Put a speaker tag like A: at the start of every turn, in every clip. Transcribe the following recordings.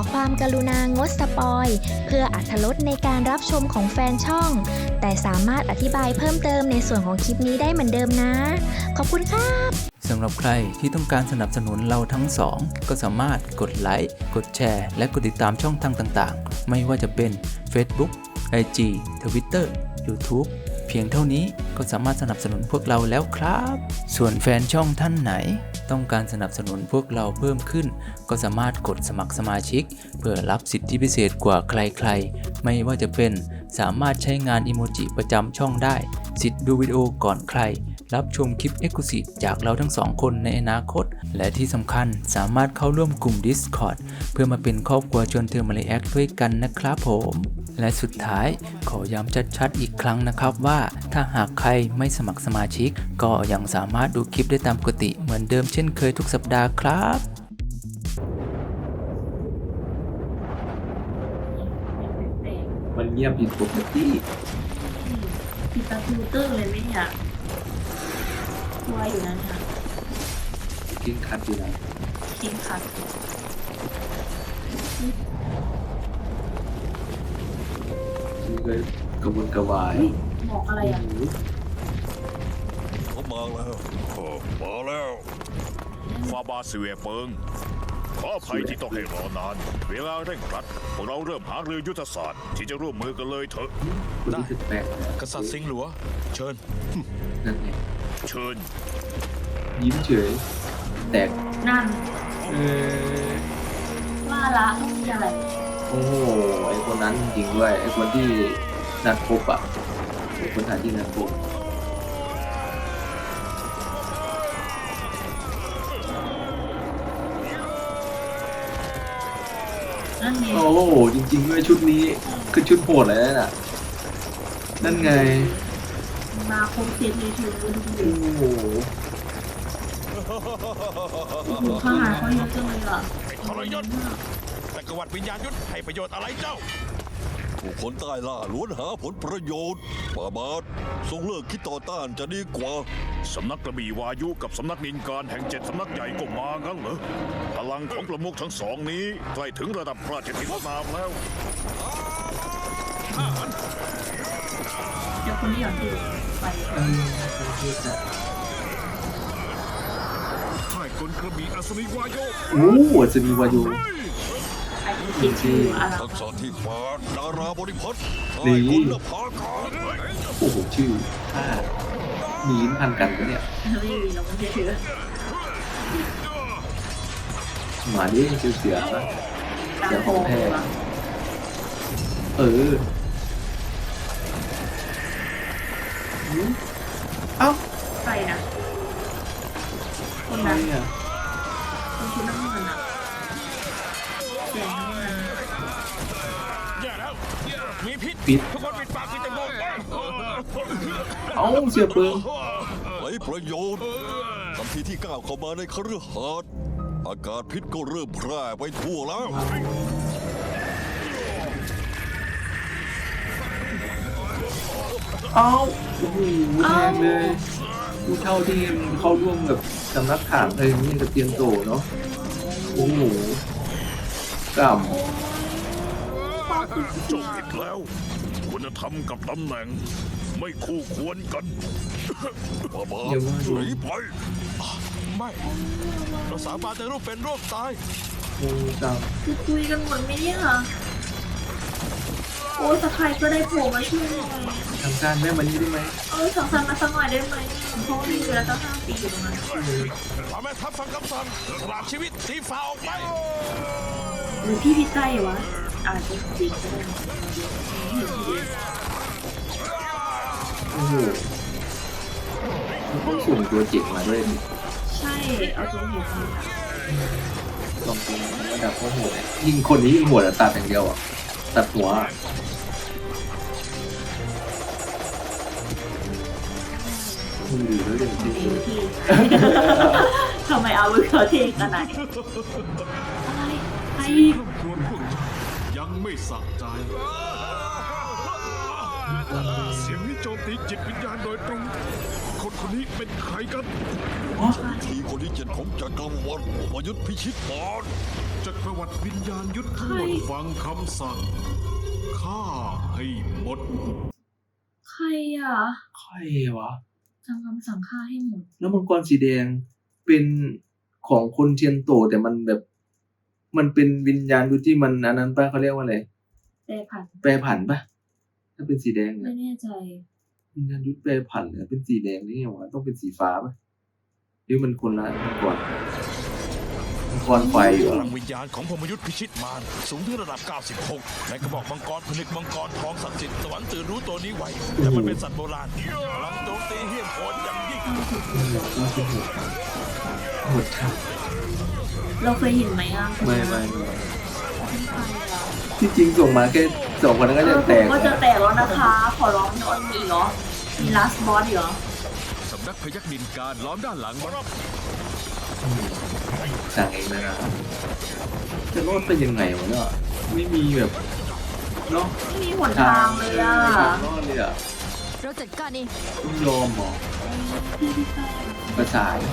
A: ความกรุณางดสปอยเพื่ออรรถรสในการรับชมของแฟนช่องแต่สามารถอธิบายเพิ่มเติมในส่วนของคลิปนี้ได้เหมือนเดิมนะขอบคุณครับ
B: สำหรับใครที่ต้องการสนับสนุนเราทั้งสองก็สามารถกดไลค์กดแชร์และกดติดตามช่องทางต่างๆไม่ว่าจะเป็น Facebook IG Twitter YouTube เพียงเท่านี้ก็สามารถสนับสนุนพวกเราแล้วครับส่วนแฟนช่องท่านไหนต้องการสนับสนุนพวกเราเพิ่มขึ้นก็สามารถกดสมัครสมาชิกเพื่อรับสิทธิพิเศษกว่าใครๆไม่ว่าจะเป็นสามารถใช้งานอิโมจิประจำช่องได้สิทธิ์ดูวิดีโอก่อนใครรับชมคลิป Exclusive จากเราทั้งสองคนในอนาคตและที่สำคัญสามารถเข้าร่วมกลุ่ม Discord เพื่อมาเป็นครอบครัวชวนเธอมาเลแอคด้วยกันนะครับผมและสุดท้ายขอย้ำชัดๆอีกครั้งนะครับว่าถ้าหากใครไม่สมัครสมาชิกก็ยังสามารถดูคลิปได้ตามปกติเหมือนเดิมเช่นเคยทุกสัปดาห์ครับ
C: มันเงียบผิดปกติ
D: ปิดตาฟิลเตอร์เลยไหมเนี่ยกลัวอยู่นั้นค่ะ
C: กิ้งคัดอยู่นะ
D: จริงค่ะ
C: นี่ก็กระวนกระวาย
D: บอกอะไรอ่ะ
E: เขามาแล้วมาแล้วฟาบาซิเวเปิงขออภัยที่ต้องให้รอนานเวลาเร่งรัดพวกเราเริ่มหารือยุทธศาสตร์ที่จะร่วมมือกันเลยเถอะ
C: ได้
E: กษัตริย์สิงห์หลวงเชิญ
C: นั่นไง
E: เชิญ
C: ยิ้มเฉยแตก
D: นั่นว่าละต้องมีอะไร
C: โอ้ไอคนนั้นจริงด้วยไอคนที่นัดพบอ่ะคนหาที่นัดพบโอ้โหจริงๆด้วยชุดนี้คือชุดโหดเลยน่ะนั่นไง
D: มาคมเสียเลยถือ
C: โอ้โห
D: ข้าหาเขาเยอะจังเลยอ่ะ
E: ทรยศแต่กวัดวิญญาณยุทธให้ประโยชน์อะไรเจ้าผู้คนใต้ล่าล้วนหาผลประโยชน์ป่าบาททรงเลิกคิดต่อต้านจะดีกว่าสำนักกระบี่วายุกับสำนักนินการแห่ง7สำนักใหญ่ก็มางั้นเหรอพลังของประมุขทั้งสองนี้ใกล้ถึงระดับพระราชธินามแล้ว
D: เดี๋ยวคนนี้อยากดูไป
E: ค่ายกลกระบี่อัศนีวายุ
C: โอ้อัศนีวายุ
D: จริง
E: ๆทักษะที่ฟ้าดาราบริพัตรค่ายกุลภากา
C: โอ้โหชื่อมีนพันกันปะเนี่ย
D: ไม่มีเราไม่เชื่อ
C: หมาดิชื่อเสือปะเสือของแท้เอ้า
D: ใครนะคนนั้นคนชุดน้ำเงินอ่ะแดงน้ำเงิน
E: แย่แล้วมีพิษทุกคนปิดปากปิดจมูก
C: เอ้าเสือเปิง
E: ไรประโยชน์ทันทีที่ก้าวเข้ามาในคฤหาสน์อากาศพิษก็เริ่มแพร่ไปทั่วแล้ว
C: เอ้าโอ้โหแรงเลยผู้เท่าที่เข้าร่วมกับสำนักข่าวเลยนี่กับเตียงโตเนาะโอ้โหกล่ำ
E: จบผิดแล้วคุณธรรมกับตำแหน่งไม่คู่ควรกันบ้าหนีไปไม่เราสามารถจะร่วมเป็นร่วมตาย
C: โอ้จัง
D: คือคุยกันหมดไหมเนี่ยโอ้สักใครก็ได้โผล่มาช่วย
C: ทางการแม่มานี่ได้ไหม
D: ทางการมาสักหน่อยได้ไหมเพราะมีเวลาตั้ง5 ปีอยู่ตรงนั้น
E: พอแม่ทัพฟังคำสั่งสละชีวิตสีฟ้าออกไป
D: หรือพี่พิจัยวะอาจจะจริงก็ได้
C: โอ้โหต้องส่งตัวเจ็กมาด้วย
D: ใช่เอาตัวหัวมา
C: ลองดูระดับเขาโหดยิงคนนี้ยิงหัวตัดอย่างเดียวอ่ะตัดหัวมือแล้วเด่นจริง
D: ทำไมเอาเขาเทขนาดนี้อะไรใคร
E: ยังไม่สะใจเสียงนี้โจมตีจิตวิญญาณโดยตรงคนนี้เป็นใครกันทีคนที่7ของจักรวรรดิมายุทธพิชิตมาร
F: จักรวรรดิวิญญาณยุทธทั้งหมดฟังคำสั่งฆ่าให้หมด
D: ใครอ่ะ
C: ใครวะ
D: ทำคำสั่งฆ่าให้หมด
C: แล้วมังกรสีแดงเป็นของคนเทียนโตแต่มันแบบ มันเป็นวิญญาณยุทธที่มันอันนั้นป่ะเขาเรียกว่าอะไร
D: แต่ผัด
C: แปรผันป่ะถ้าเป็นสีแดง
D: ไม่
C: เนี่ย
D: แน่ใจ
C: วิญญาณยุทธแปรผันเนี่ยเป็นสีแดงนี่ไงวะต้องเป็นสีฟ้าป่ะหรือมันคนละมังกรไฟเหร
E: พ
C: อ
E: ลังวิญญาณของพรหมยุทธพิชิตมารสูงถึงระดับ 96 ในกระบอกมังกรผนึกมังกรทองศักดิ์สิทธิ์สวรรค์ตื่นรู้ตัวนี้ไว้แต่มันเป็นสัตว์โบราณพลังโจมตีเหี้ยมโหดอย่างยิ่ง
C: หมดครับ
D: เราเคยเห็นไหมอ่ะ
C: ไม่
D: ใครอ่ะ
C: ที่จริงส่งมาแค่สองคนนั้นก็จะแตก
D: ก็จะแตกแล้วนะคะ ขอร้องนอนมีเหรอ มีลาสบอสเหรอ
F: สำนักพยัคฆ์ดินการล้อมด้านหลังมารับ
C: สั่งเองเลยนะจะรอดไปยังไงวะเนี่ยไม่มีแบบเนาะ
D: ไม่มีหนทางเลยอ่ะ
C: ไม่มีทางรอดเลยอ่ะ
A: เราจัดการเอง
C: ต้องยอมเหรอ
D: พี่ใต้
C: ประสาน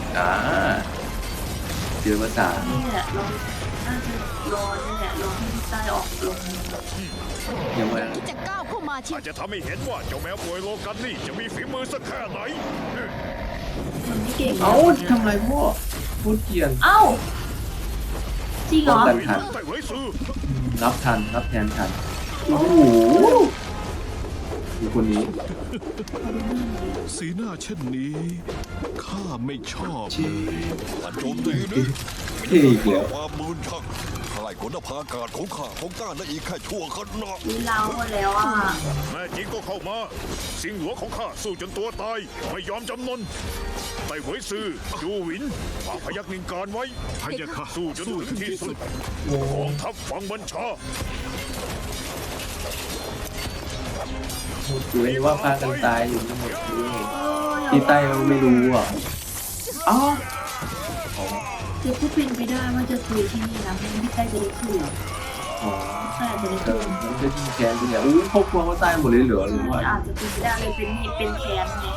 C: เจอประสาน
D: นี่แหละเราน่าจะรอนี่แหละรอให้พี่ใต้ออกลง
C: ยังไง
A: ที่จะก้าวเข้ามาที่
E: อาจจะทำให้เห็นว่าเจ้าแมวป่วยโลกันนี่จะมีฝีมือสักแค่ไหน
D: มันไม่เก่ง
C: เอ้าทำไรพ่อพูดเกลียน
D: เอ้าจริงเหร
C: ป้อง
D: อ
C: กันทัน
E: แต่ไว้ซื้อ
C: รับทันรับแทนทันโอ้โหดูคนนี้
F: สีหน้าเช่นนี้ข้าไม่ชอบ
C: ชี้
E: การโจมตีนี้
C: เท่อีกแล้ว
E: ความมืนช่างทลายขนภาอากาศของข้าของก้าได้อีกแค่ชั่วขณะ
D: มีเราหมดแล้วอ่ะ
E: แม่จริงก็เข้ามา สิงห์หลวงของข้าสู้จนตัวตาย ไม่ยอมจำนนไต่เหวยซือจูหวินฝากพยักนิงการไว้
F: พยาค่ะ
E: สู้จนถึงที่สุด
C: โอ้
E: กองทัพฟังบัญชา
C: หมดเลยว่าพากันตายอยู่ทั้งหมดเลย
D: อย่า
C: ที่ใต้เราไม่รู้อ่ะอ๋อ
D: จะพูดเป็นไปได้ว่าจะคุยที่นี่นะไม่งั้นพี่ใต้จะได้คุย
C: อ๋อ
D: ใช่จะได้
C: แต่
D: คุย
C: มันจะยิงแคนไปเนี่ยอู้ครอบครัวเขาตายหมดเลยเหรอหรือว่า
D: อาจจะเป็นไปได้เลยเป็นเหตุเป็นแค้นไง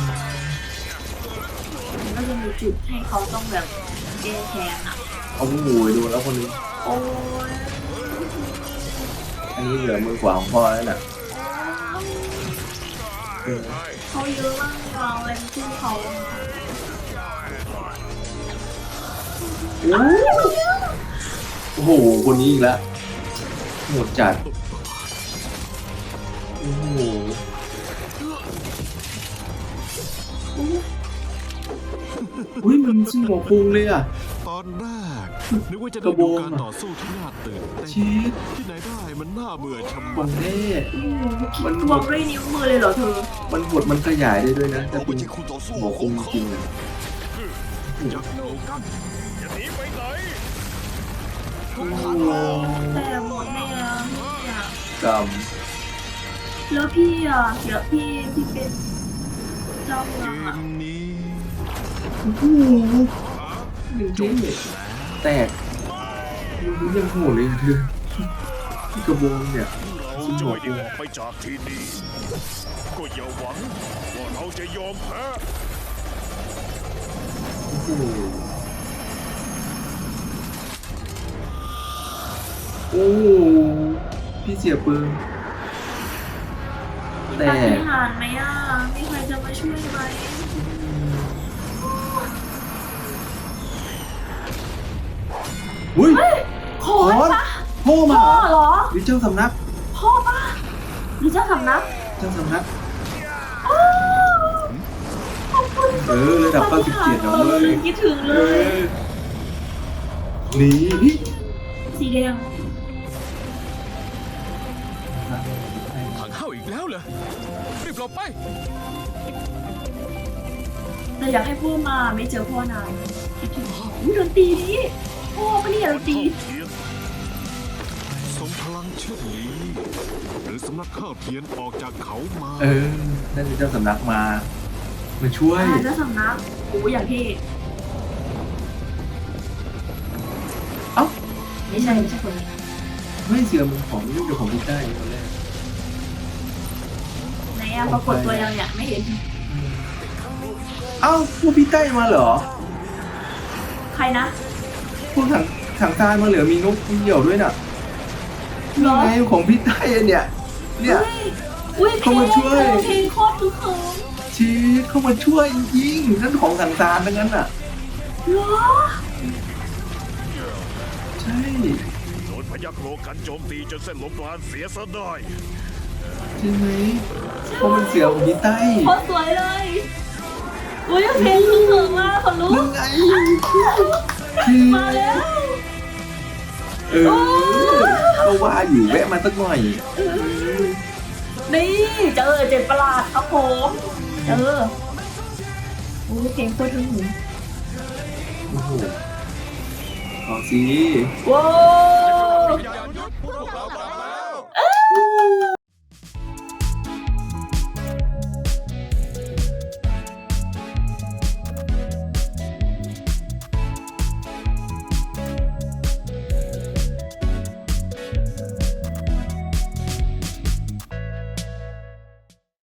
D: มันก็จะมีจุดให้เขาต้องแบบแก้แค้นอ่ะ
C: เอาหูดูแล้วคนนี้
D: โอ้ย
C: อันนี้เหลือมือกว่าของพ่อแล้วน่ะเออ
D: เขาเยอะมากเราอะไรไม่ช่วยเขา
C: โอ้โหคนนี้อีกแล้วหมดจัดโอ้โหอุ้ยมันซึ่งหัวพุงเลยอ่ะ
F: ตอนแรกนึกว่าจะ
C: ก
F: ได้
C: ระโบ
F: ดู
C: ง
F: การต่อสู้ที่น่าตื่นเต้น
C: ชีส
F: ที่ไหนได้มันน่าเบื่อชะ
C: ข
F: มั
C: อ
F: ด
C: งแน่
D: มันทวงด้วยนิ้วมือเลยเหรอเธอ
C: มันหดมันขยายได้ด้วยนะแต่
E: เรา
C: เป็
E: ไม่
C: น
E: ใช่คู่ต่อสู้
C: หัว
E: ข
C: พุ
E: อง ง
C: จ
E: เขา
C: ริงๆอะ
F: ยักษ์โลกัน
E: จะหนีไปไหน
C: โอ้โห
D: แต่หมดแน่เนี่ย
C: กรรม
D: แล้วพี่อ่ะเดี๋ยวพี่ที่เป็นเจ้าเมื
F: เก
D: องอ่ะ
F: มนี้
C: โอ้โหหนึ่งที่แตกมันยังโหดเลยอะเธอที่กระโบงเนี่ย
E: เราจะไม่ได้ออกไปจากที่นี่ ก็อย่าหวังว่าเราจะยอมแพ้
C: โอ้โหโอ้โหพี่เสียปืน
D: มี
C: แต่
D: ปาฏิหาริย์ไหมอ่ะมีใครจะมาช่วยไหม
C: อุ้ย
D: ขอนปะ
C: พ่อมา
D: พ่อเหรอ
C: หรือเจ้าสำนัก
D: พ่อปะหรือเจ้าสำนัก
C: เจ้าสำนัก
D: อ้าวขอบคุณ
C: ระดับ97นะเว้ย
D: คิดถึงเลย
C: หนี
D: สีแดง
F: ถังเข้าอีกแล้วเหรอรีบหลบไป
D: แต่อยากให้พ่อมาไม่เจอพ่อนานคิดถึงพ่ออุ๊ยดนตรีนี้พ่อปะเนี่ยดนตรี
E: เทียน
F: ทรงพลังเช่นนี้หรือสำนักข้าวเทียนออกจากเขามา
C: นั่นคือเจ้าสำนักมาช่วย
D: เจ้าสำนักโอ้อย่างที่
C: เอ้า
D: ไม่ใช่คนนี้
C: ไม่เสือมันของนี่เดี๋ยวของพี่ได้ตอนแรก
D: ไหนอะปรากฏตัวยังเนี่ยไม่เห็น
C: เอ้าพวกพี่ใต้มาเหรอ
D: รนะ
C: พวกถังทรายมาเหลือมีนกเหยี่ยวด้วยน่ะ
D: เหรอ
C: ไงของพี่ไต้เนี่ย เนี่ย
D: อุ้ยเพล
C: เข้าง มาช่วย
D: เพลงโคตรคือเขิม
C: ชีสเข้ามาช่วยจริงๆนั่นของถังทรายทั้งนั้นอ่ะ
D: เหรอ
C: ใช่
E: โดนพยัคฆ์โลกันโจมตีจนเส้นลมปราณเสียซะได้
C: ใช่ไหมเพราะมันเสียของพี่ไต้
D: โคตรสวยเลย อุ้ยเพลงคือเขิมมากคนรู้
C: นั่นไงชีส
D: มาแล้ว
C: ก็ว่าอยู่แวะมาสักหน่อย
D: นี่เจอเจ็ดประหลาดครับผมเจออุ้ยเพลงโคตรถึงหู
C: โอ้โหเอาสิ
D: ว้าว